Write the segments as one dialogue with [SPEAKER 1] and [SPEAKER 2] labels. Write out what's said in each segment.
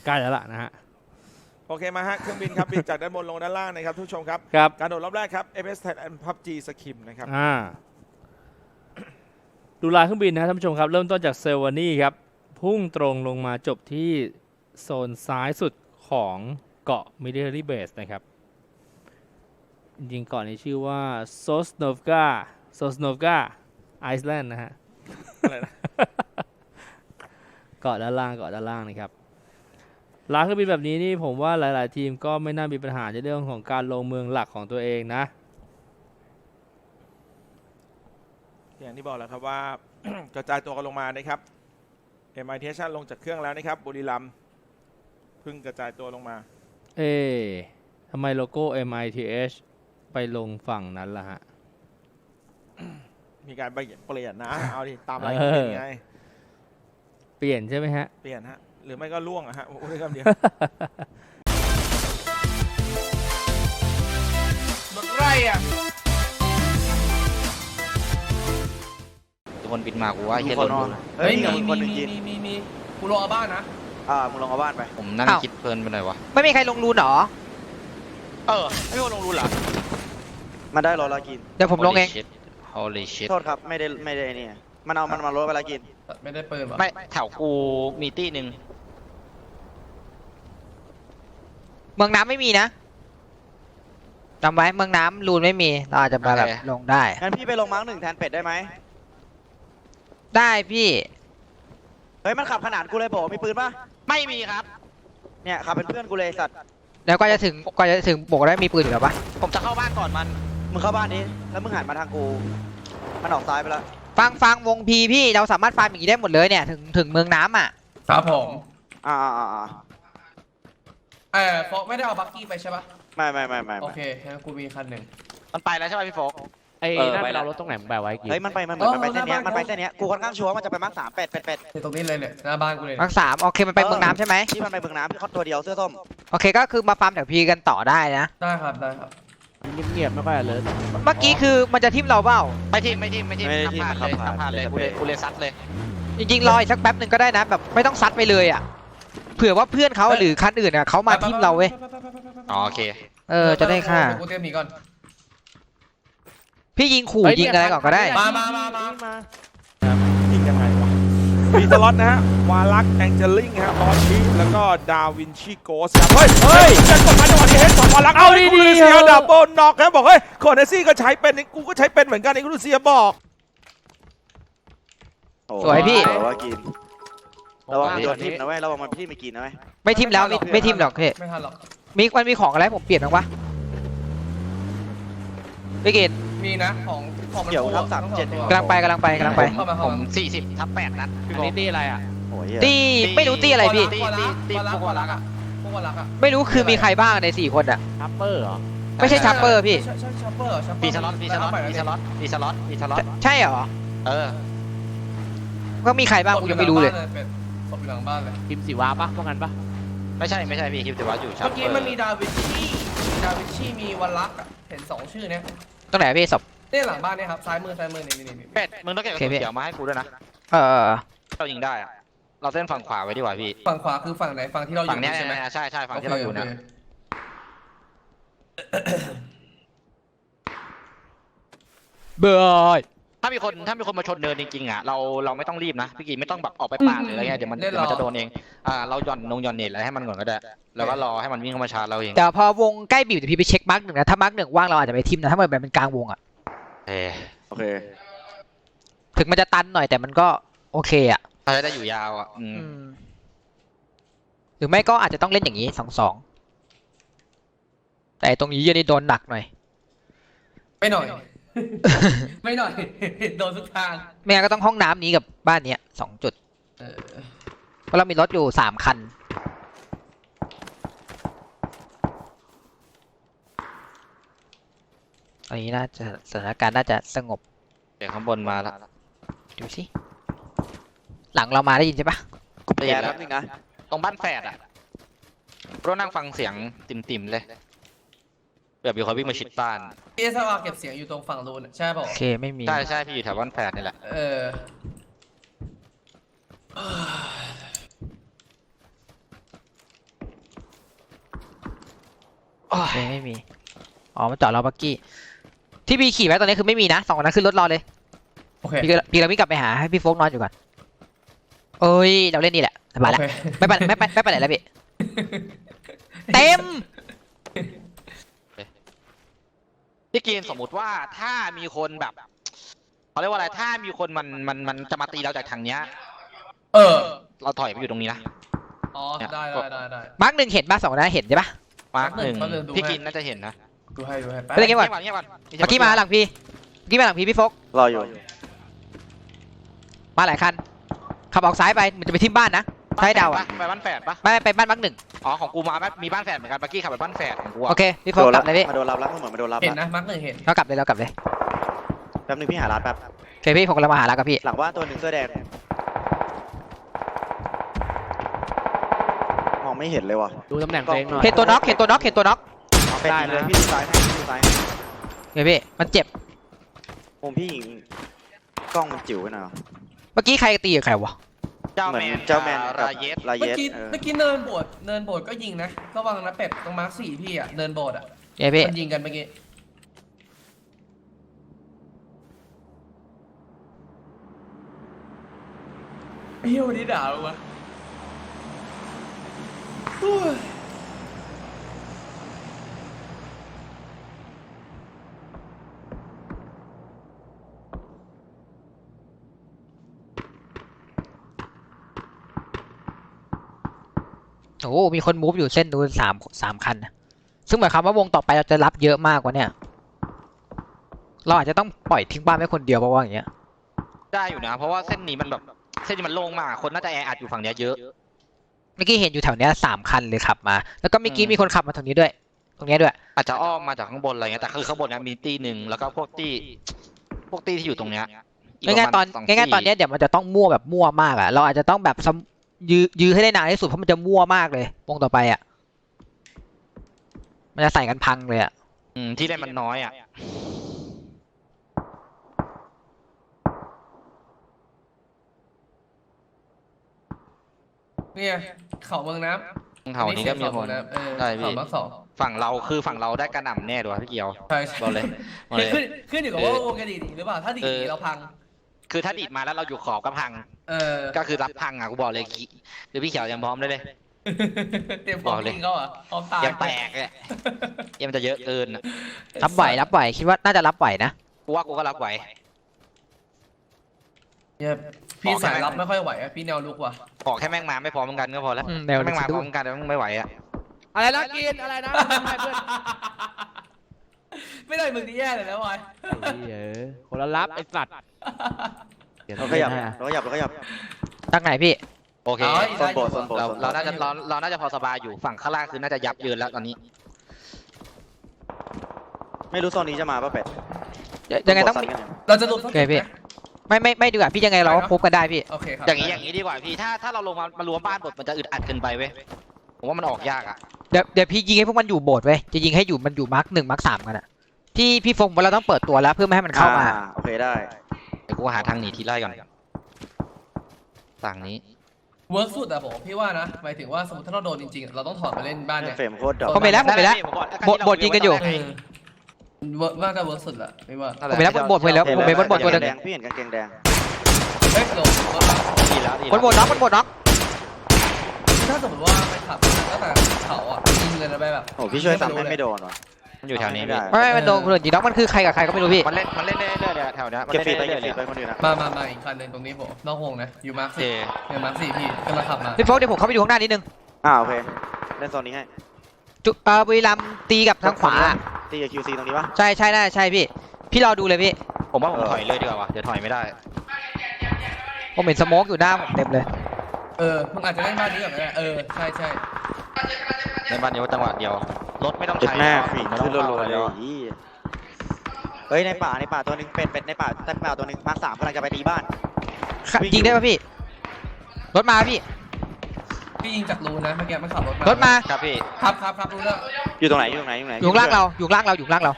[SPEAKER 1] ใกล้แล้วล่ะนะฮะ
[SPEAKER 2] โอเคมาฮะเครื่องบินครับบินจากด้านบนลงด้านล่างนะครับทุกผู้ชมครับการโดดรอบแรกครับ FS Thailand PUBG Skim นะครับ
[SPEAKER 1] ดูลายเครื่องบินนะท่านผู้ชมครับเริ่มต้นจากเซลวานี่ครับพุ่งตรงลงมาจบที่โซนซ้ายสุดของเกาะ Military Base นะครับจริงๆเกาะนี้ชื่อว่า Sosnovka Island นะฮะเกาะด้านล่างนะครับลายเครื่องบินแบบนี้นี่ผมว่าหลายๆทีมก็ไม่น่ามีปัญหาในเรื่องของการลงเมืองหลักของตัวเองนะ
[SPEAKER 2] อย่างที่บอกแล้วครับว่า กระจายตัวกันลงมานะครับ MITH ลงจากเครื่องแล้วนะครับบุรีรัมย์เพิ่งกระจายตัวลงมา
[SPEAKER 1] ทำไมโลโก้ MITH ไปลงฝั่งนั้นล่ะฮะ
[SPEAKER 2] มีการเปลี่ยนนะเอาดิตามอะไรเป็นไง
[SPEAKER 1] เปลี่ยนใช่ไหมฮะ
[SPEAKER 2] เปลี่ยนฮะหรือไม่ก็ล่วงอะฮะโอ้ยคำเดียวรถไร่อะ
[SPEAKER 3] คนบินมากูว่าเฮียรถ
[SPEAKER 4] เฮ้ยมีกูลงเอาบ้านนะ
[SPEAKER 3] มึงลงเอาบ้านไปผมนั่งคิดเพลินไปหน่อยวะ
[SPEAKER 5] ไม่มีใครลงรูนหรอ
[SPEAKER 3] ไม่ลงรูนหรอ
[SPEAKER 6] มันได้รถละกิน
[SPEAKER 5] เดี๋ยวผมลงเอง
[SPEAKER 3] Holy shit
[SPEAKER 6] โทษครับไม่ได้นี่มันเอามันมารถเวลากิน
[SPEAKER 4] ไม่ได้เปิด
[SPEAKER 3] ไม่แถวกูมีตี้หนึ่ง
[SPEAKER 5] เมืองน้ำไม่มีนะจำไว้เมืองน้ำรูนไม่มีเราอาจจะมาแบบลงได้
[SPEAKER 6] งั้นพี่ไปลงมาร์ค 1แทนเป็ดได้ไหม
[SPEAKER 5] ได้พี่
[SPEAKER 6] เฮ้ยมันขับขนาดกูเลยบอกมีปืนปะ
[SPEAKER 3] ไม่มีครับ
[SPEAKER 6] เนี่ยขับเป็นเพื่อนกูเลยสัตว์
[SPEAKER 5] แล้วก็จะถึงบอกได้มีปืนอยู่แล้วปะ
[SPEAKER 3] ผมจะเข้าบ้านก่อน
[SPEAKER 6] มึงเข้าบ้านนี้แล้วมึงหันมาทางกูมันออกซ้ายไปแล้ว
[SPEAKER 5] ฟังวงพีพี่เราสามารถฟาร์มอย่างนี้ได้หมดเลยเนี่ยถึงเมืองน้ำอ่ะ
[SPEAKER 4] ครับผม
[SPEAKER 6] โฟ
[SPEAKER 4] กไม่ได้เอาบักกี้ไปใช่ปะ
[SPEAKER 6] ไม่
[SPEAKER 4] โอเคงั้นกูมีคันหนึ่ง
[SPEAKER 3] มันไปแล้วใช่ไหมพี่โฟก
[SPEAKER 1] นั่นไปเรารถตรงไหนแบบไว้กี่
[SPEAKER 6] เฮ้ยมันไปเส้นนี้กูค่อนข้างชัวร์มันจะไปมาร์ค 3เป็ด
[SPEAKER 4] ตรงนี้เลยเนี่ยหน้าบ้านกูเลย
[SPEAKER 5] มาร์ค 3โอเคมันไปเมืองน้ำใช่ไหม
[SPEAKER 6] ที่มันไปเมืองน้ำพี่เขาตัวเดียวเสื้อส้ม
[SPEAKER 5] โอเคก็คือมาฟาร์มแถวพีกันต่อได้นะ
[SPEAKER 4] ได้ครับ
[SPEAKER 1] เงียบไม่ค่อยเลย
[SPEAKER 5] เมื่อกี้คือมันจะทิมเราเปล่า
[SPEAKER 3] ไม่ทิมทำผ่านเลยกูเลยซัดเลย
[SPEAKER 5] จริงๆรออีกสักแป๊บหนึ่งก็ได้นะแบบไม่ต้องซัดไปเลยอ่ะเผื่อว่าเพื่อนเขาหรือคันอื่นอ่ะเขามาทิมเราเว้ย
[SPEAKER 3] โอเค
[SPEAKER 5] จะได้ค่า
[SPEAKER 4] กูเตรียมหนีก่อน
[SPEAKER 5] พี่ยิงขู่ยิงอะไรก่อนก็ได้
[SPEAKER 4] มา
[SPEAKER 2] ยิงยังไงวะมีสล็อตนะฮะวาลักแองเจลิงฮะบอสชีแล้วก็ดาวินชิโกสครับเฮ้ยจะกดมาจังหวะนี้เห็นสองวาลักเอาดีๆเซียดับเบิลน็อกครับบอกเฮ้ยคอนเนซี่ก็ใช้เป็นกูก็ใช้เป็นเหมือนกันไอ้กูเซียบอก
[SPEAKER 5] สวยพี่
[SPEAKER 6] ระวังโดนทิมนะเว้ยระวังมันที่ไม่กินนะเว้ย
[SPEAKER 5] ไม่ทิมแล้วไม่ทิมหรอกพี่
[SPEAKER 4] ไม่ทันหรอก
[SPEAKER 5] มันมีของอะไรผมเปลี่ยนบ้างปะพี่กิต
[SPEAKER 4] มีนะของ
[SPEAKER 6] เดี๋ยวครับ37
[SPEAKER 5] กำลังไป
[SPEAKER 3] ผม40/8นัด
[SPEAKER 1] นี่ตีอะไรอ่ะ
[SPEAKER 5] ตีไม่รู้ตีอะไรพี่
[SPEAKER 4] ตีพวกรักอ่ะ
[SPEAKER 5] ไม่รู้คือมีใครบ้างใน4คนอ่ะ
[SPEAKER 1] ชัปเปอร์เหรอ
[SPEAKER 5] ไม่ใช่ชัปเปอร์พี่
[SPEAKER 4] ใช่ชัปเปอร์
[SPEAKER 3] ปีสล็อต
[SPEAKER 5] ใช่เหรอก็มีใครบ้างกูยังไม่รู้เลย
[SPEAKER 4] ศพอยู่หลังบ้านเลย
[SPEAKER 1] พิมพ์สีวาปะพวกนั้นปะ
[SPEAKER 3] ไม่ใช่พี่คิมแต่ว่าอยู่ชัปเปอร์
[SPEAKER 4] เมื่อกี้มันมีดาวินชีมีวันลักเห็น2ชื่อเนี้ย
[SPEAKER 5] ตรงไหนพี่ศพ
[SPEAKER 4] เนี่ยหลังบ้านเนี่ยครับซ้ายมือนี่
[SPEAKER 3] เป็ดมึงต้องเก็บกระสุนเขียวมาให้กูด้วยนะเรายิงได้อะเราเส้นฝั่งขวาไว้ดีกว่าพี่
[SPEAKER 4] ฝั่งขวาคือฝั่งไหนฝั่งที่เราอยู่
[SPEAKER 3] ใช่ไหมใช่ฝั่งที่เราอยู่นะ
[SPEAKER 5] เบย์
[SPEAKER 3] ถ้ามีคนมาชนเนินจริงๆอ่ะเราไม่ต้องรีบนะพี่กีไม่ต้องแบบออกไปปาดหรืออะไรเงี้ยเดี๋ยวมันจะโดนเองเราหย่อนเน็ตอะไรให้มันก่อนก็ได้แล้วก็รอให้มันวิ่งเข้ามาชาร์จเราเอง
[SPEAKER 5] แต่พอวงใกล้บีบจะพี่ไปเช็คมาร์ก 1นะถ้ามาร์ก 1ว่างเราอาจจะไปทิมนะถ้ามันเป็นกลางวงอ่ะ
[SPEAKER 6] โอเค
[SPEAKER 5] ถึงมันจะตันหน่อยแต่มันก็โอเคอ่ะ
[SPEAKER 3] จะได้อยู่ยาวอ่ะ
[SPEAKER 5] หรือไม่ก็อาจจะต้องเล่นอย่างนี้2-2แต่ตรงนี้ยันนี่โดนหนักหน่อย
[SPEAKER 4] ไม่หน่อยโดนทุกทาง
[SPEAKER 5] แม่ก็ต้องห้องน้ำนี้กับบ้านนี้2 จุดเพราะเรามีรถอยู่3 คันตอนนี้น่าจะสถานการณ์น่าจะสงบ
[SPEAKER 3] เดี๋ยวข้างบนมาแล้ว
[SPEAKER 5] ดูสิหลังเรามาได้ยินใช่ปะ
[SPEAKER 3] ได้ยินแล้วนึงนะตรงบ้านแฝดอ่ะเรานั่งฟังเสียงติ่มเลยแบบมีคนวิ่งมาชิดบ้าน
[SPEAKER 4] พี่สวาเก็บเสียงอยู่ตรงฝั่งรูนใช่ป่ะ
[SPEAKER 5] โอเคไม่มี
[SPEAKER 3] ใช่พี่อยู่แถวบ้านแฝดนี่แหละ
[SPEAKER 5] ไม่มีอ๋อมันจอดรอบักกี้ที่พี่ขี่ไว้ตอนนี้คือไม่มีนะ2คนนั้นขึ้นรถรอเลย
[SPEAKER 4] โอเค
[SPEAKER 5] พี่เราวิ่งกลับไปหาให้พี่โฟกนอนอยู่ก่อนเอ้ยเราเล่นนี่แหละสบายแล้ว
[SPEAKER 4] โอเค
[SPEAKER 5] ไม่ไปไหนแล้วพี่เต็ม
[SPEAKER 3] พี่กินสมมุติว่าถ้ามีคนแบบเขาเรียกว่าอะไรถ้ามีคนมันจะมาตีเราจากทางเนี้ย
[SPEAKER 4] เออ
[SPEAKER 3] เราถอยไปอยู่ตรงนี้นะ
[SPEAKER 4] อ๋อได้
[SPEAKER 5] มาร์ก1เห็นป่ะ2คนนั้นเห็นใช่ป่ะ
[SPEAKER 3] มาร์คหนึ่ง
[SPEAKER 4] แป๊บนึงดูให้
[SPEAKER 3] พี่กินน่าจะเห็นนะ
[SPEAKER 4] ดูให้
[SPEAKER 5] ไปเล่นเกมก่อน
[SPEAKER 3] เงียบก่อน
[SPEAKER 5] เมื่อกี้มาหลังพี่โฟก
[SPEAKER 6] รออยู่
[SPEAKER 5] มาหลายคันขับออกซ้ายไปมันจะไปทิ่มบ้านนะใช่เดาอ่ะ
[SPEAKER 3] ไปบ้านแฝดปะ
[SPEAKER 5] ไม่ไปบ้านมาร์ก1
[SPEAKER 3] อ๋อของกูมีบ้านแฝดเหมือนกันเมื่อกี้ขับไปบ้านแฝดของกู
[SPEAKER 5] โอเคพี่โฟกกลับเลยพี่
[SPEAKER 6] มาโดนรับแล้วเหมือนมาโดนรับ
[SPEAKER 4] เห็น
[SPEAKER 6] แล้ว
[SPEAKER 4] นะมาร์คหนึ่งเห็น
[SPEAKER 5] เรากลับเลย
[SPEAKER 6] แป๊บนึงพี่หาร้านแป๊บ
[SPEAKER 5] โอเคพี่ผมกำลังมาหาแล้วกับพี่
[SPEAKER 6] หลังบ้านตัวหนึ่งเสื้อแดงมองไม่เห็นเลยว่ะ
[SPEAKER 1] ดูตำแหน่งตัวเองหน่อย
[SPEAKER 5] เห็นตัวน็อก
[SPEAKER 6] เป็นยิงเลยพี่ดูซ้ายให้ดูซ้ายให้
[SPEAKER 5] เฮ้ยพี่มันเจ็บ
[SPEAKER 6] มุมพี่ยิงกล้องมันจิ๋วไปหน่อย
[SPEAKER 5] เมื่อกี้ใครตีกับใครวะ
[SPEAKER 3] เจ้า
[SPEAKER 6] เหมือ
[SPEAKER 3] แม
[SPEAKER 6] น
[SPEAKER 3] น
[SPEAKER 6] เจ้าแมน
[SPEAKER 3] กับ
[SPEAKER 6] กับ
[SPEAKER 3] ราเยส
[SPEAKER 6] ลา
[SPEAKER 4] เมื่
[SPEAKER 6] เย
[SPEAKER 4] อ
[SPEAKER 6] ส
[SPEAKER 4] กี้เนินโบดก็ยิงนะระวังนะเป็ดตรงมาร์ค4พี่อะเนินโบดอะ
[SPEAKER 5] เฮ้ยพี่
[SPEAKER 4] มันยิงกันเมื่อกี้เฮียวันนี้ด่าลงมาโอ้ย
[SPEAKER 5] โอ้โหมีคนมูฟอยู่เส้นนู้นสามคันนะซึ่งหมายความว่าวงต่อไปเราจะรับเยอะมากกว่าเนี่ยเราอาจจะต้องปล่อยทิ้งบ้านไว้คนเดียวเพราะว่าอย่างเงี้ย
[SPEAKER 3] ได้อยู่นะ เพราะว่าเส้นนี้มันแบบเส้นนี้มันโล่งมากคนน่าจะแออัดอยู่ฝั่งเนี้ยเยอะ
[SPEAKER 5] เมื่อกี้เห็นอยู่แถวเนี้ย3 คันเลยขับมา แล้วก็เมื่อกี้มีคนขับมาตรงนี้ด้วย ตรงเนี้ยด้วย
[SPEAKER 3] อาจจะอ้อมมาจากข้างบนอะไรเงี้ยแต่คือข้างบนเนี้ยมีตีหนึ่งแล้วก็พวกตีที่อยู่ตรงเนี้ยก
[SPEAKER 5] ง่ายๆตอน
[SPEAKER 3] ประมณ
[SPEAKER 5] ง่ายๆตอนเนี้ยเดี๋ยวมันจะต้องมั่วแบบมั่วมากอ่ะเราอาจจะต้องแบบยื้อให้ได้นานที่สุดเพราะมันจะมั่วมากเลยวงต่อไปอ่ะมันจะใส่กันพังเลยอ่ะ
[SPEAKER 3] ที่เล่นมันน้อยอ่ะ
[SPEAKER 4] เนี่ยเขาเมืองน้ำ
[SPEAKER 3] แถวนี้ก็มีคน ได้
[SPEAKER 4] ได้
[SPEAKER 3] พี่
[SPEAKER 4] พี่เขามาร์ค2
[SPEAKER 3] ฝั่งเราได้กระหน่ำแน่ด้วยพี่เกียว
[SPEAKER 4] ใช่
[SPEAKER 3] บอกเลยบอกเลย
[SPEAKER 4] ขึ้นอยู่กับว่าวงกันดีหรือเปล่าถ้าดีเราพัง
[SPEAKER 3] คือถ้าดีดมาแล้วเราอยู่ขอบก็พัง ก็คือรับพังอ่ะกูบอกเลยคือพี่เขียวยังพร้อมได้เลย
[SPEAKER 4] เตรียมพร้อมยิงเขาเหรอพร้อมตาย
[SPEAKER 3] ยังแตกเลยยังมันจะเยอะเกินอะ
[SPEAKER 5] รับไหวคิดว่าน่าจะรับไหวนะ
[SPEAKER 3] กูว่ากูก็รับไหว
[SPEAKER 4] เนี่ยพี่สายรับไม่ค่อยไหวอะพี่แนวลุกว่ะ
[SPEAKER 3] ขอแค่แม่งมาไม่พร้อมกันก็พอแล้ว
[SPEAKER 5] แนว
[SPEAKER 3] แม่งมา
[SPEAKER 5] สะ
[SPEAKER 3] พ
[SPEAKER 5] ดุ้
[SPEAKER 3] ร้อง มกันแต่แม่งไม่ไหวอ่ะ
[SPEAKER 1] อะไรนะกินอะไรนะไม่เพื่อน
[SPEAKER 4] ไม่ได้มึงนี่แย่เลยนะวาย
[SPEAKER 1] คนละรับไอ้สัตว์
[SPEAKER 6] เราขยับเราขยับเราขยับ
[SPEAKER 5] ตั้งไหนพี่
[SPEAKER 3] โอเค
[SPEAKER 6] โซนโบสถ์โซนโบสถ์
[SPEAKER 3] เราน่าจะพอสบายอยู่ฝั่งข้างล่างคือน่าจะยับเยินแล้วตอนนี้
[SPEAKER 6] ไม่รู้โซนนี้จะมาป่ะเป็ด
[SPEAKER 5] ยังไงต้อง
[SPEAKER 6] ซัดกันยู่
[SPEAKER 4] เราจะลุกสัก
[SPEAKER 5] โอเคพี่ ไม่ดีกว่าพี่ยังไงเราก็พบกันได้พี่
[SPEAKER 4] โอเคครับ
[SPEAKER 3] อย่างนี้ดีกว่าพี่ถ้าเราลงมารวมบ้านบทมันจะอึดอัดเกินไปเว้ยผมว่ามันออกยากอ่ะ
[SPEAKER 5] เดี๋ยวพี่ยิงให้พวกมันอยู่โบสถ์เว้ยจะยิงให้อยู่มันอยู่มาร์ค1มาร์ค3กันอะที่พี่ฟงว่าเราต้องเปิดตัวแล้วเพื่อไม่ให้มันเข้ามา
[SPEAKER 6] โอเคได้
[SPEAKER 3] เดี๋ยวกูหาทางหนีทีไล่ก่อนฝั่งนี้
[SPEAKER 4] เวิร์กสุดอะผมพี่ว่านะหมายถึงว่าสมมติถ้าเราโดนจริงๆเราต้องถอดไปเล่นบ้านเนี่ย
[SPEAKER 6] เฟรมโคตรดอก
[SPEAKER 5] ผมไปแล้วบทยิงกันอยู่
[SPEAKER 4] เวิร์กว่าก็เวิร์กสุดละไม่ว่า
[SPEAKER 5] ผมไปแล้วบทไปแล้วผมไปบนบทตัวหนึง
[SPEAKER 6] แดงพี่เห็นกางเกงแดง
[SPEAKER 4] เฮ้ยโดน
[SPEAKER 3] ดีแล้ว
[SPEAKER 5] บนบทน็อก
[SPEAKER 4] ถ้าสมมติว่าไปขับตั้งแต่เขาอะยิงเลยนะไปแบบ
[SPEAKER 6] โอ้พี่ช่วยซ้ำให้ไม่โดนว่ะ
[SPEAKER 3] มันอยู่แถวนี้
[SPEAKER 6] ไม่ได้
[SPEAKER 5] ไม่มันโดนคนอื่นยิงน็อกมันคือใครกับใครก็ไม่รู้พี่
[SPEAKER 3] มันเล่นเรื่อยๆแถวนี้
[SPEAKER 6] เก็บฟีดไปเก็บฟีดไปคนอื่นนะ
[SPEAKER 4] มาอีกคันหนึ่งตรงนี้ผมนอกวงนะอยู่มาร์ค
[SPEAKER 3] เจ
[SPEAKER 4] 4เนี่ยมาร์ค4พี่กำลังขับมา
[SPEAKER 5] พี่โฟกเดี๋ยวผมเข้าไปดูข้างหน้านิดนึง
[SPEAKER 6] โอเคเล่นโซนนี้ให้
[SPEAKER 5] บุรีรัมย์ตีกับทางขวา
[SPEAKER 6] ตีกับ QC ตรงนี้ปะ
[SPEAKER 5] ใช่น่าใช่พี่รอดูเลยพี่
[SPEAKER 3] ผมว่าผมถอยเลยดีกว่าว่ะเดี๋ยวถอยไม่ได้
[SPEAKER 5] ผมเห็นสโมกอยู่หน้าผมเต็มเลย
[SPEAKER 4] มึงอาจจะเล่นบ้านนี้ก่อนก็ได้ใช่
[SPEAKER 3] ในบ้านนี้ว่าจังหวะเดียวรถไม่ต้อง
[SPEAKER 6] จุด
[SPEAKER 3] ใช้
[SPEAKER 6] แม่
[SPEAKER 3] แล้ว
[SPEAKER 6] ฝี
[SPEAKER 3] ไม่
[SPEAKER 6] ขึ้น
[SPEAKER 3] ต้อง
[SPEAKER 6] รัว
[SPEAKER 3] เข้า
[SPEAKER 6] ๆ
[SPEAKER 3] แล้
[SPEAKER 6] เล
[SPEAKER 3] วย
[SPEAKER 6] เฮ้ยในป่าตัวนึงเป็ดในป่าตัวนึงมาร์ค 3กำลังจะไปตีบ้าน
[SPEAKER 5] ยิงได้ป่ะพี่รถมาพี่
[SPEAKER 4] พี่ยิงจากรูนะเมื่อกี้มันขับรถ
[SPEAKER 5] รถมา
[SPEAKER 3] ครับพี่
[SPEAKER 4] ครับรู้แล้ว
[SPEAKER 6] อยู่ตรงไหน
[SPEAKER 5] อยู่ข้างล่างเรา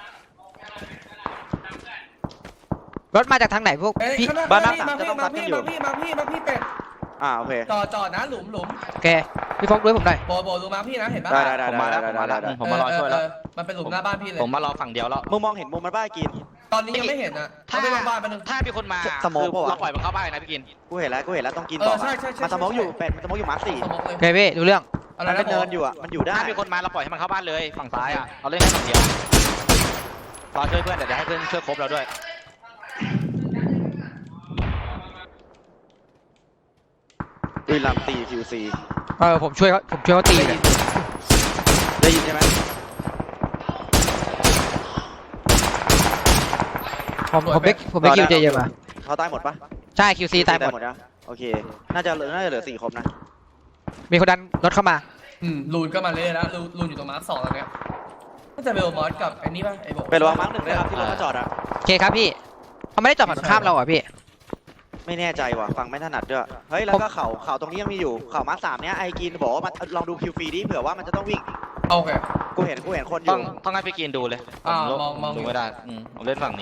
[SPEAKER 5] รถมาจากทางไหนพวก
[SPEAKER 4] เอ้ย
[SPEAKER 5] พี่
[SPEAKER 4] ข้างหน้า
[SPEAKER 6] บ้าน
[SPEAKER 4] มาพี่เป็ด
[SPEAKER 6] โอเค
[SPEAKER 4] จอดนะหลุม
[SPEAKER 5] โอเคพี่โฟกด้วยผมหน่อย
[SPEAKER 4] โบดูมาพี่นะเห็นปะ
[SPEAKER 6] ได้
[SPEAKER 3] ผมมาแล้วผมมารอช่วยแล้ว
[SPEAKER 4] มันเป็นหลุมหน้าบ้านพี่เลย
[SPEAKER 3] ผมมารอฝั่งเดียวแล้ว
[SPEAKER 6] มึงมองเห็นมุมมันบ้ากิน
[SPEAKER 4] ตอนนี้ยังไม่เห็นนะถ้าไม่ลงบ้านไปนึง
[SPEAKER 3] ถ้ามีคนมา
[SPEAKER 6] สโมก
[SPEAKER 3] คือ
[SPEAKER 6] ปะวะ
[SPEAKER 3] เราปล่อยมันเข้าบ้านนะพี่กิน
[SPEAKER 6] กูเห็นแล้วต้องกินต่อ
[SPEAKER 4] ใช่
[SPEAKER 6] มันสมองอยู่เป็ดมันสมองอยู่มาร์ค
[SPEAKER 4] สมองเลย
[SPEAKER 5] โอเคพี่ดูเรื่อง
[SPEAKER 4] อะไร
[SPEAKER 6] มัน
[SPEAKER 4] นะ
[SPEAKER 6] เป็นเนินอยู่อ่ะมันอยู่ได้
[SPEAKER 3] ถ้ามีคนมาเราปล่อยให้มันเข้าบ้านเลยฝั่งซ้ายอ่ะเราเล่นแค่ฝั่งเดียวรอช่วยเพื่อนเดี๋ยวให้เพื่อนช่วยครบเราด้วย
[SPEAKER 6] บุรีรัมย์ตี QC
[SPEAKER 5] ผมช่วยเขาตีเลย
[SPEAKER 6] ได้ยินใช่ไหม
[SPEAKER 5] ผมไม่คิวเจเยอะมา
[SPEAKER 6] เขาตายหมดปะ
[SPEAKER 5] ใช่ QC ตายหมด
[SPEAKER 6] นะโอเคน่าจะเหลือ4ครบนะ
[SPEAKER 5] มีคนดันรถเข้ามา
[SPEAKER 4] ลูนก็มาเล่นแล้วลูนอยู่ตรงมาร์ค2แล้วเนี่ยก็จะเบลมอสกับไอ้นี่ป่ะไอ้โบ
[SPEAKER 6] เป็นระวังมาร์ค1ด้วยครับที่รถมาจอดอ่ะ
[SPEAKER 5] โอเคครับพี่เขาไม่ได้จอดฝั่งข้ามเราอ่ะพี่
[SPEAKER 6] ไม่แน่ใจว่ะฟังไม่ถนัดด้วยเฮ้ยแล้วก็เขาตรงนี้ยังมีอยู่เขามาร์ค3เนี้ยไอกินบอกว่ามันลองดูคิวฟรีดิเผื่อว่ามันจะต้องวิ่ง
[SPEAKER 4] โอเค
[SPEAKER 6] กูเห็นคนอ
[SPEAKER 3] ต้อยู่ งให้พี่กินดูเลย
[SPEAKER 4] มอง
[SPEAKER 3] ดูไม่ได้ผมเล่นฝั่งนี้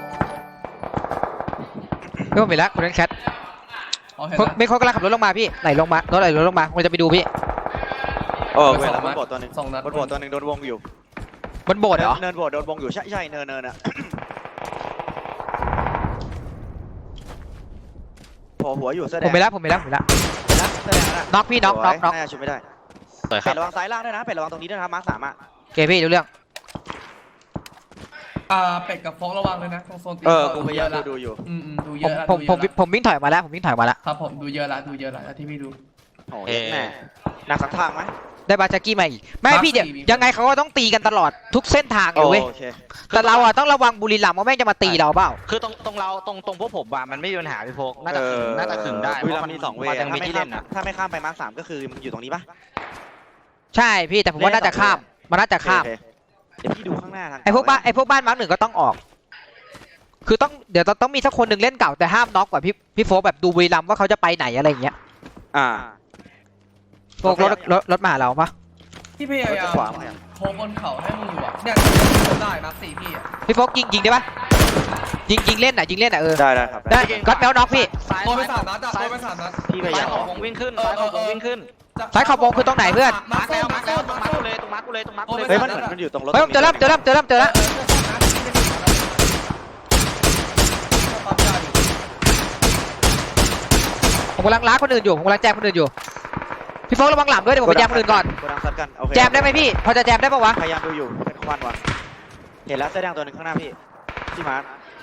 [SPEAKER 5] พี่ผมเห็นแล้วคุณนั่นแคท
[SPEAKER 4] อ๋อเห็น
[SPEAKER 5] ไม่เขากำลังขับรถลงมาพี่ไหลลงมารถไหลลงมาผมจะไปดูพี่
[SPEAKER 6] เวลามันโบดตัวนึง
[SPEAKER 4] 2 นัด
[SPEAKER 6] มันโบดตัวนึงโดนวงอยู่
[SPEAKER 5] บนโบสถ์เหรอ
[SPEAKER 6] เนินโบดโดนวงอยู่ใช่เนินอ่ะโผล่หัวอยู่แสดง
[SPEAKER 5] ผมไปแล้วน็อกพี่น็อก
[SPEAKER 6] น่าจะชุบไม่ได้
[SPEAKER 3] สวยค
[SPEAKER 6] เป็
[SPEAKER 3] รับ
[SPEAKER 6] ดระวังซ้ายล่างด้วยนะเป็ดระวังตรงนี้ด้วยนะครับมาร์ค3อ่ะ
[SPEAKER 5] โอเคพี่ดูเรื่อง
[SPEAKER 4] เป็ดกับฟองระวังเลยนะตรงโซนตี
[SPEAKER 6] กูพยายามดูอยู่
[SPEAKER 4] ดูเย
[SPEAKER 5] ผม
[SPEAKER 4] อะละ
[SPEAKER 5] ผมวิ่งถอยมาแล้ว
[SPEAKER 4] ครับผมดูเยอะละที่พี่ดู
[SPEAKER 6] โอ้ยแม่หนักสังทางไหม
[SPEAKER 5] ได้บาจากกี้มาอีกไม่พี่เดี๋ยวยังไงเขาก็ต้องตีกันตลอดทุกเส้นทางเลยเว้ย
[SPEAKER 6] โอเค
[SPEAKER 5] แต่เราอ่ะต้องระวังบุรีรัมย์ว่าแม่งจะมาตีเราเปล่า
[SPEAKER 3] คือตรงพวกผมอะมันไม่มีปัญหาพี่โฟกน่าจะขึงได้
[SPEAKER 6] บุรีรัมย์มี2 เวย์
[SPEAKER 3] ยังมีที่เล่นอะ
[SPEAKER 6] ถ้าไม่ข้ามไปมาร์ค3ก็คือมันอยู่ตรงนี้ปะ
[SPEAKER 5] ใช่พี่แต่ผมว่าน่าจะข้ามมันน่าจะข้าม
[SPEAKER 6] เดี๋ยวพี่ดูข้างหน้าทาง
[SPEAKER 5] ไอ้พวกบ้านมาร์ค 1ก็ต้องออก คือเดี๋ยวต้องมีสักคนหนึ่งเล่นเก่าแต่ห้ามน็อกกว่าพี่โฟกแบบดูบุรีรัมย์ว่าเขาจะไปไหนอะไรอย่างเงี้ย โฟกรถมาหาเราปะ
[SPEAKER 4] ที่พยายามโคบนเขาให้มึงอยู่อ่ะเนี่ยได้มาร์ค4พี่อ่ะ
[SPEAKER 5] พี่โฟกยิงได้ปะยิงเล่นอ่ะ
[SPEAKER 6] ได้ครับ
[SPEAKER 5] ได้ก็แมวน็อกพี่
[SPEAKER 4] โดนไป3 นัดอ่ะโดนไป3 นัด
[SPEAKER 6] พี่พยา
[SPEAKER 3] ซ้าย
[SPEAKER 6] ยาม
[SPEAKER 3] ของวงวิ่งขึ้นซ้ายของวงวิ่งขึ้น
[SPEAKER 5] ซ้ายขอบวงคือตรงไหนเพื่อน
[SPEAKER 3] มาร์กแล้วตรงมาร์กกูเลยตรงมาร์กกูเลย
[SPEAKER 6] เฮ้ยมันอยู่ตรงรถ
[SPEAKER 5] เฮ้ยผมเจอแล้ว ผมกำลังล้าคนอื่นอยู่ผมกำลังแจมคนอื่นอยู่พี่โฟกระวังหลังด้วยเดี๋ยวผมไปแจมคนอื่นก่อน
[SPEAKER 6] กดดังซัดกันโอเค
[SPEAKER 5] แจมได้ไหมพี่พอจะแจมได้ปะวะ
[SPEAKER 6] พยายามดูอยู่เป็นควันวะเห็นแล้วเสื้อแดงตัวหนึ่งข้างหน้าพี่ที่มาร์ค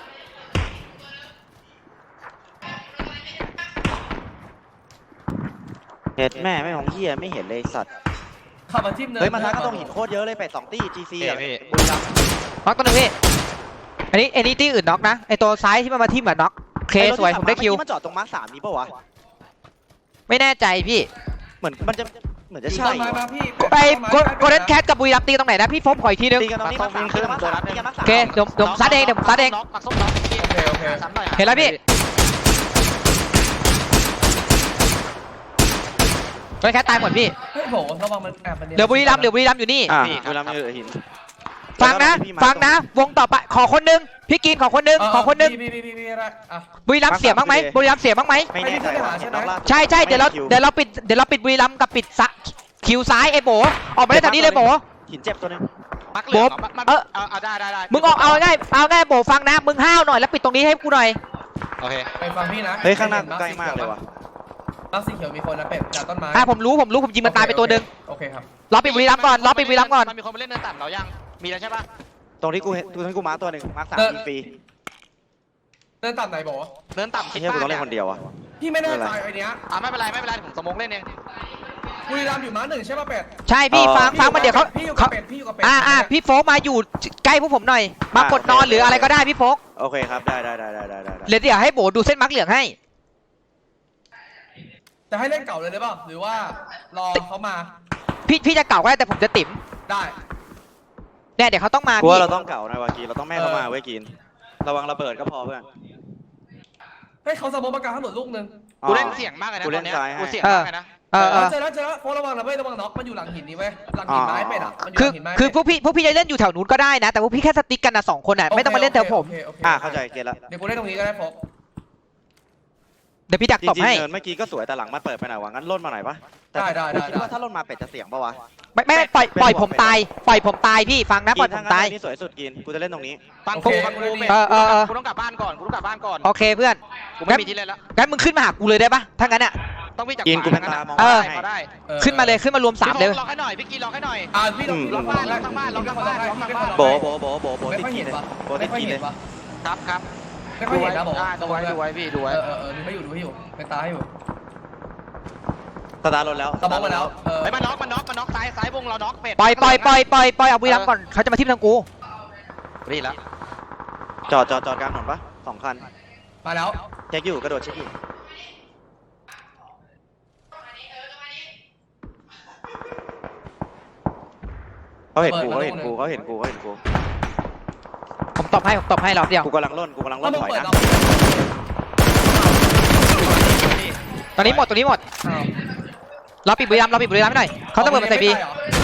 [SPEAKER 6] เห็นแม่ไม่ของเฮียไม่เห็นเลยสัตว์
[SPEAKER 4] ขับมาทิ่มเนิน
[SPEAKER 6] เฮ้ยมันทักก็ต้องหินโคตรเยอะเลยเป็ด2 ตี้ GC อ่ะ
[SPEAKER 3] พี่
[SPEAKER 6] บุรีรัมย์
[SPEAKER 5] น็อกตัวหนึงพี่อันนี้ที่อื่นน็อกนะไอตัวซ้ายที่มันมาทิ่มอะน็อกโอเคสวยผมได้คิว
[SPEAKER 6] มันจอดตรงมาร์ค3นี้ปะวะ
[SPEAKER 5] ไม่แน่ใจพี่
[SPEAKER 6] เหมือนมันจะเหมือนจะ
[SPEAKER 4] อยู่
[SPEAKER 6] ใช่
[SPEAKER 4] ต้นไม้มาพี่
[SPEAKER 5] ไปโกลเด้นแคทกับบุรีรัมย์ตีตรงไหนนะพี่โฟกขออีกทีนึง
[SPEAKER 6] ตีกันตรงนี้มาร์ค3ตีกันมาร์ค3ตีกันมาร์ค
[SPEAKER 5] โอเคเดี๋ยวผมซัดเอง
[SPEAKER 3] น็อกปักส้มน็อกโอเคซ้ำหน่อย
[SPEAKER 5] เห็นแล้วพี่โกลเด้นแคทตายหมดพี่
[SPEAKER 4] เฮ้ยโหระวังมันแอบมัน
[SPEAKER 5] เดี๋ยวบุรีรัมย์อยู่นี่
[SPEAKER 6] บุรีรัมย์อยู่หิน
[SPEAKER 5] ฟังนะวงต่อไปขอคนนึงพี่กินขอคนนึง
[SPEAKER 4] พี่อะไรอ่ะ
[SPEAKER 5] บุรีรัมย์เสียบ้างไหมบุรีรัมย์เสียบ้างไหม
[SPEAKER 6] ไม่แน่ใจว่าเห็นน้องล่า
[SPEAKER 5] ใช่เดี๋ยวเราปิดบุรีรัมย์กับปิดคิวซ้ายไอ้โบออกมาได้ตอนนี้เลยโบ
[SPEAKER 6] หินเจ็บตัวนึง
[SPEAKER 3] ปักเหลืองเอาได้
[SPEAKER 5] มึงออกเอาง่ายโบฟังนะมึงห้าวหน่อยแล้วปิดตรงนี้ให้กูหน่อย
[SPEAKER 3] โอเค
[SPEAKER 4] ไปฟังพี่นะ
[SPEAKER 6] เฮ้ยข้างหน้าใกล้มากเลยว่ะ
[SPEAKER 4] มาร์คสีเขียวมีคนนะเป็ดจากต้นไม้
[SPEAKER 5] ผมรู้ผมยิงมันตายไปตัวนึง
[SPEAKER 4] โอเคครับ
[SPEAKER 5] รอปิดบุรีรัมย์ก่อน
[SPEAKER 3] มันมีคนมาเล่นเนินต่ำเรายังมีแล้วใช่ปะ
[SPEAKER 6] ตรงที่กูเห็นตรงที่กูมาร์คตัวหนึ่งมาร์ค3ยิงฟรี
[SPEAKER 4] เดินต่ำไหนบอก
[SPEAKER 3] เนินต่ำ
[SPEAKER 6] ไอ้เหี้ยกูต้องเล่นคนเดียวอ่ะ
[SPEAKER 4] พี่ไม่แน่ใจไอ้เนี้ย
[SPEAKER 3] ไม่เป็นไรผมสมองเล่นเอง
[SPEAKER 4] บุรีรัมย์อยู่มาร์ค1ใช่ป่ะเป็ด
[SPEAKER 5] ใช่พี่ฟังมันเดี๋ยวเขา
[SPEAKER 4] พี่อยู่กับเป็ด
[SPEAKER 5] พี่โฟกมาอยู่ใกล้พวกผมหน่อยมากดนอนหรืออะไรก็ได้พี่โฟก
[SPEAKER 6] โอเคครับได้
[SPEAKER 5] เดี๋ยวให้โบดูเส้นมาร์กเหลืองให้
[SPEAKER 4] จะให้เล่นเก่าเลยหรือเปล่าหรือว่ารอเขามา
[SPEAKER 5] พี่จะเก่าก็ได้แต่ผมจะติ๋ม
[SPEAKER 4] ได้
[SPEAKER 5] เนี่ยเดี๋ยวเขาต้องมา
[SPEAKER 6] กู
[SPEAKER 5] พี่
[SPEAKER 6] ว่าเราต้องเก่านะวากีเราต้องแม่เขามาเว้ยกินระวังระเบิดก็พอเพื่อน
[SPEAKER 4] ให้เขาสมมติประกาศถนนลูกนึง
[SPEAKER 3] กูเล่นเสียงมากเลยนะตอนนี้กูเสียงมากเลยนะ
[SPEAKER 4] เจอแล้วโฟระวังนะเว้ยระวังน็อกมันอยู่หลังหินนี่เว้ยหลังหินไม้เป็ดอ่ะมันอยู่หลังหินไม้
[SPEAKER 5] คือพวกพี่จะเล่นอยู่แถวนู้นก็ได้นะแต่พวกพี่แค่สติ๊กกันนะ2 คนอ่ะไม่ต้องมาเล่นแถวผม
[SPEAKER 6] เข้าใจเกตแล้ว
[SPEAKER 4] เดี๋ยวกูเล่นตรงนี้ก็ได้โฟก
[SPEAKER 5] เดี๋ยวพี่ดัก
[SPEAKER 6] จ
[SPEAKER 5] ตบ
[SPEAKER 6] ริง
[SPEAKER 5] ให้
[SPEAKER 6] ๆเนินเมื่อกี้ก็สวยแต่หลังมันเปิดไปหน่อยวะงั้นล่นมาหน่อยปะแต่
[SPEAKER 4] ได้
[SPEAKER 6] กูคิดว่าถ้าล่นมาเป็ดจะเสี่ยงปะวะ
[SPEAKER 5] ไม่ปล่อยผมตายปล่อยผมตายพี่ฟังนะปล่อยผมตาย
[SPEAKER 6] นี่สวยสุดกินกูจะเล่นตรงนี้
[SPEAKER 3] ฟังกูฟังกูเป็ด กูต้องกลับบ้านก่อนกูต้องกลับบ้านก่อน
[SPEAKER 5] โอเคเพื่อน
[SPEAKER 3] กูไม่มีที่เล่นแล้ว
[SPEAKER 5] งั้นมึงขึ้นมาหากูเลยได้ปะถ้างั้นอ่ะ
[SPEAKER 3] ต้องวิ่งจาก
[SPEAKER 6] กินกูเป็น
[SPEAKER 3] ขว
[SPEAKER 6] ตามอง
[SPEAKER 5] เออ
[SPEAKER 3] พอได้
[SPEAKER 5] ขึ้นมาเลยขึ้นมารวมสามเลย
[SPEAKER 3] ล็อกให้หน่อยพี่กีล็อกให้หน่อย
[SPEAKER 4] พี่ต้อง
[SPEAKER 3] ล็อกบ้านล็อกทั้งบ้านล็อกทั้งบ้านล็อกทั้งบ้าน
[SPEAKER 6] โบโบ
[SPEAKER 4] ไม่
[SPEAKER 6] ติด
[SPEAKER 4] ค่อย
[SPEAKER 6] กิ
[SPEAKER 4] เห็
[SPEAKER 6] น
[SPEAKER 4] น
[SPEAKER 6] เลย
[SPEAKER 4] ปะ
[SPEAKER 6] โบติ
[SPEAKER 4] ไม่
[SPEAKER 6] ด
[SPEAKER 4] ค่อย
[SPEAKER 6] กิน
[SPEAKER 4] เห็
[SPEAKER 6] เล
[SPEAKER 4] น
[SPEAKER 6] ย
[SPEAKER 4] ปะ
[SPEAKER 3] ครับครับ
[SPEAKER 4] ไม่ค่อยเห็นนะบอก
[SPEAKER 3] ดูไว้พี่ดูไว้
[SPEAKER 4] ดูให้อยู่เป็นตาให้อยู่
[SPEAKER 6] สตาร์ทรถแล้ว
[SPEAKER 4] ตะบอกมาแล้ว
[SPEAKER 3] ไอ้มันน็อกซ้ายวงเราน็อกเป็ด
[SPEAKER 5] ปล่อยเอาบุรีรัมย์ก่อนเขาจะมาทิ่มทางกู
[SPEAKER 3] รีแล้ว
[SPEAKER 6] จอดกลางถนนปะ2 คัน
[SPEAKER 4] มาแล้ว
[SPEAKER 6] เช็คอยู่กระโดดเช็คอยู่เขาเห็นกู
[SPEAKER 5] ผมตบให้รอบเดียว
[SPEAKER 6] กูกำลังล่นถอยนะ
[SPEAKER 5] ตอนนี้หมดเราปิดบุรีรัมย์ให้หน่อยเขาระเบิดมาใส่พี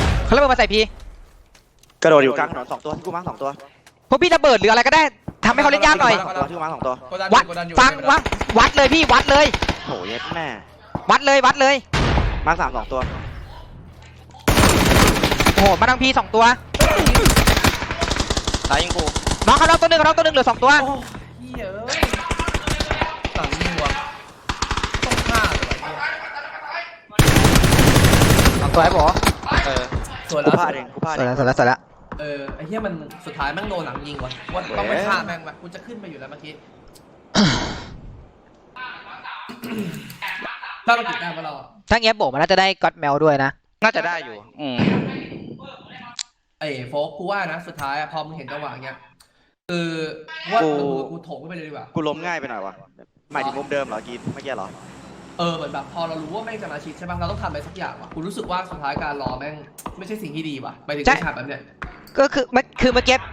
[SPEAKER 6] กระโดดอยู่กลางถนน2 ตัวที่กูมาร์ค2 ตัว
[SPEAKER 5] พวกพี่ระเบิดหรืออะไรก็ได้ทำให้เขาเล่นยากหน่อย
[SPEAKER 6] ที่กูมาร์ค2 ตัว
[SPEAKER 5] วัดเลยพี่วัดเลย
[SPEAKER 6] โหเย็ดแม่
[SPEAKER 5] วัดเลย
[SPEAKER 6] มาร์ค3 2 ตัว
[SPEAKER 5] โอ้โหมาทางพี2 ตัว
[SPEAKER 3] ซ้ายยิงกู
[SPEAKER 5] น้องเขาตัวหนึ่งเหลือ2 ตัว
[SPEAKER 4] โอ้ยเยอะหลังยิงว่ะต้องฆ่าเลย
[SPEAKER 5] 2 ตัวไอ้บอ
[SPEAKER 4] ส่วน
[SPEAKER 6] กู
[SPEAKER 4] แล้ว
[SPEAKER 6] พลาดเองกูพลาด
[SPEAKER 5] ส
[SPEAKER 6] เอ
[SPEAKER 5] วย
[SPEAKER 6] ง
[SPEAKER 5] แล้ว
[SPEAKER 4] ไอ้เหี้ยมันสุดท้ายแม่งโดนหลังยิงว่ะว่าต้องไปฆ่าแม่งว่ะกูจะขึ้นไปอยู่แล้วเมื่อกี้ถ้าเราติดได้ปะเรา
[SPEAKER 5] ถ้าเงี้ยโบมันน่าจะได้ก็อดแมวด้วยนะ
[SPEAKER 3] น่าจะได้อยู่
[SPEAKER 4] ไอ้โฟกกูว่านะสุดท้ายพอมึงเห็นจังหวะเงี้ยคือว่ากูโถมไปเลยดีกว่า
[SPEAKER 6] กูล้มง่ายไปหน่อยวะหมายถึงมุมเดิมเหรอกินเมื่อกี้เหรอ
[SPEAKER 4] เหมือนแบบพอเรารู้ว่าแม่งจะมาชิดใช่ป่ะเราต้องทำอะไรสักอย่างว่ะกูรู้สึกว่าสุดท้ายการรอแม่งไม่ใช่สิ่งที่ดีว่ะไปถึงที่ฉากแบบเนี้ย
[SPEAKER 5] ก็คือเมื่อกี้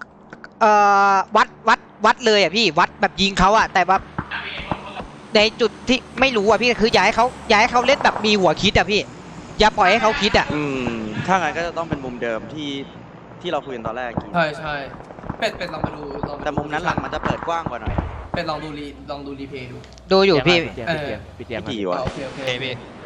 [SPEAKER 5] วัดเลยอ่ะพี่วัดแบบยิงเขาอ่ะแต่ว่าในจุดที่ไม่รู้อ่ะพี่คืออยากให้เขาเล่นแบบมีหัวคิดอ่ะพี่อย่าปล่อยให้เขาคิดอ่ะ
[SPEAKER 6] ถ้างั้นก็จะต้องเป็นมุมเดิมที่เราคุยกันตอนแรกกิน
[SPEAKER 4] ใช่เป็ดลองไปดู
[SPEAKER 6] แต่มุมนั้นหลังมันจะเปิดกว้างกว่าหน่อย
[SPEAKER 4] เป็ดลองดูรีเพย์ดู
[SPEAKER 5] ดูอยู่พี่
[SPEAKER 1] ปิดเตียง
[SPEAKER 6] ไม่กี่วะ
[SPEAKER 4] โอเค
[SPEAKER 3] โอเคพี่